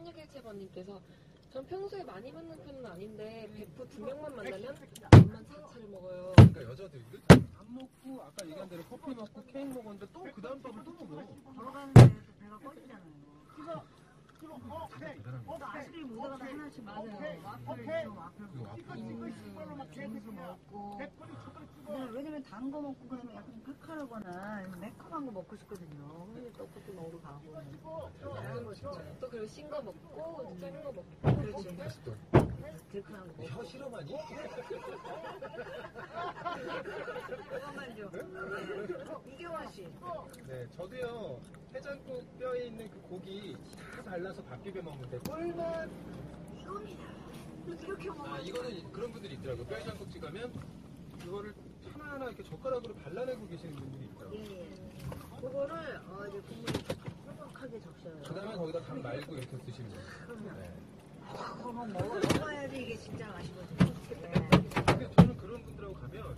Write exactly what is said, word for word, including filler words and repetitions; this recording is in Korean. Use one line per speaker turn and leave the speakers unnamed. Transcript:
삼육일칠 번님께서 전 평소에 많이 먹는 편은 아닌데 베프 두 명만 만나면 밥만 세 차를 먹어요.
그러니까 여자들이 밥 먹고 아까 얘기한 대로 커피 먹고 케이크 먹었는데 또 그 다음 밥을 또 먹어.
걸어가는 데에서 배가 꺼지잖아요. 아이스크림 오다가 하나씩 맞아요. 와플 좀 와플 먹고 빙수 먹고. 그냥 왜냐면 단 거 먹고 그러면 약간 칼칼하거나 매콤한 거 먹고 싶거든요. 근데 떡볶이 먹으러 가고.
다양한 거 진짜. 또 그리고 신 거 먹고 작은 거 먹고.
그렇지.
다시 또
들큰한 거 먹고.
혀 실험하니?
그것만 좀. 이경화 씨.
네, 저도요 해장국 뼈에 있는 그 고기 다 발라서 밥 비벼 먹는데 꿀맛.
이겁니다. 이렇게 먹어.
아 이거는 그런 분들이 있더라고. 뼈 해장국집 가면 그거를 하나하나 이렇게 젓가락으로 발라내고 계시는 분들이 있더라고.
예, 예. 그거를 어, 이제 국물에 뾰족하게 적셔요.
그 다음에 거기다 간 말고 이렇게 드시는 거예요.
그럼요.
네.
그거 먹어, 먹어야지 이게 진짜 맛이거든요.